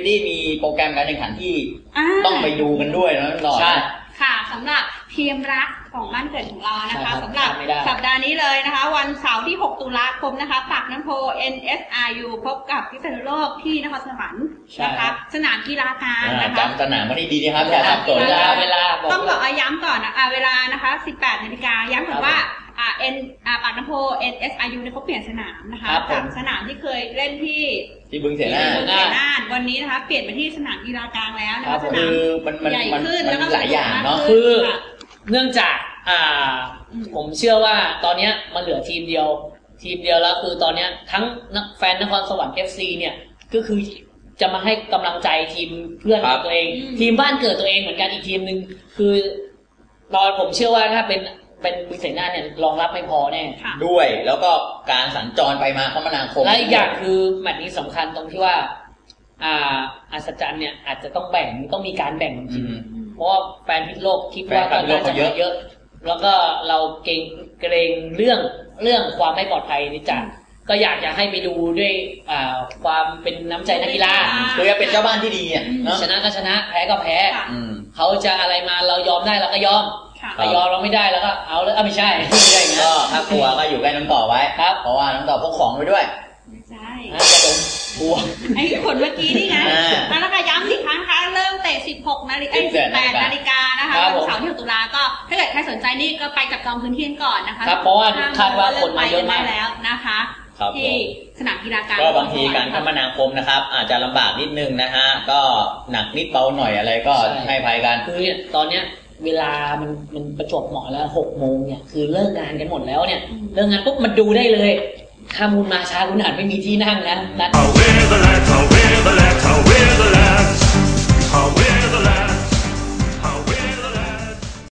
ดี้มีโปรแกรมการแข่งขันที่ต้องไปดูกันด้วยนะหน่อยค่ะสำหรับทีมรักของบ้านเกิดของเรานะคะสำหรับสัปดาห์นี้เลยนะคะวันเสาร์ที่6 ตุลาคมนะคะปากน้ำโพ NSRU พบกับพิษณุโลกที่นครสวรรค์นะคะสนามกีฬาการนะคะจำสนามวันนี้ดีนะครับอย่าทำตัวเวลาต้องบอกย้ำก่อนเวลานะคะ 18 นาฬิกาย้ำก่อนว่าปากน้ำโพ NSRU เนี่ยเขาเปลี่ยนสนามนะคะจากสนามที่เคยเล่นที่บึงเสนาวันนี้นะคะเปลี่ยนไปที่สนามกีฬากลางแล้วนะคะสนามใหญ่ขึ้นแล้วก็หลายอย่างเนาะคือเนื่องจากผมเชื่อว่าตอนนี้มันเหลือทีมเดียวแล้วคือตอนนี้ทั้งแฟนนครสวรรค์ FC เนี่ยก็คือจะมาให้กำลังใจทีมเพื่อนของตัวเองทีมบ้านเกิดตัวเองเหมือนกันอีกทีมนึงคือผมเชื่อว่าถ้าเป็นบึงเสนาเนี่ยรองรับไม่พอแน่ด้วยแล้วก็การสัญจรไปมาคมนาคมและอีกอย่างคือแมตช์นี้สำคัญตรงที่ว่าอัศจรรย์เนี่ยอาจจะต้องมีการแบ่งจริงเพราะว่าแฟนพิษโลกคิดว่าตอนนี้จะเยอะแล้วก็เราเกรงเรื่องความไม่ปลอดภัยนี่จัดก็อยากจะให้ไปดูด้วยความเป็นน้ำใจนักกีฬาคือจะเป็นเจ้าบ้านที่ดีอ่ะชนะก็ชนะแพ้ก็แพ้เขาจะอะไรมาเรายอมได้เราก็ยอมยอมเราไม่ได้แล้วก็เอาเลยไม่ใช่อย่างเงี้ยก็ถ้ากลัวก็อยู่ใกล้น้องต่อไว้ครับเพราะว่าน้องต่อพกของไปด้วยไม่ใช่จะโดนกลัวไอ้คนเมื่อกี้นี่ไงแล้วก็ย้ำอีกครั้งค่ะเริ่มเตะ 18 นาฬิกานะคะวันเสาร์ที่ 6 ตุลาก็ถ้าเกิดใครสนใจนี่ก็ไปจับจองพื้นที่ก่อนนะคะเพราะว่าคาดว่าคนมาเยอะมากแล้วนะคะที่สนามกีฬาการก็บางทีการคมนาคมนะครับอาจจะลำบากนิดนึงนะฮะก็หนักนิดเบาหน่อยอะไรก็ให้ภัยกันคือตอนเนี้ยเวลามันประจวบเหมาะแล้ว6 โมงเนี่ยคือเลิกงานกันหมดแล้วเนี่ยเลิกงานปุ๊บมันดูได้เลยถ้ามูลมาช้าคุณอาจไม่มีที่นั่งนะ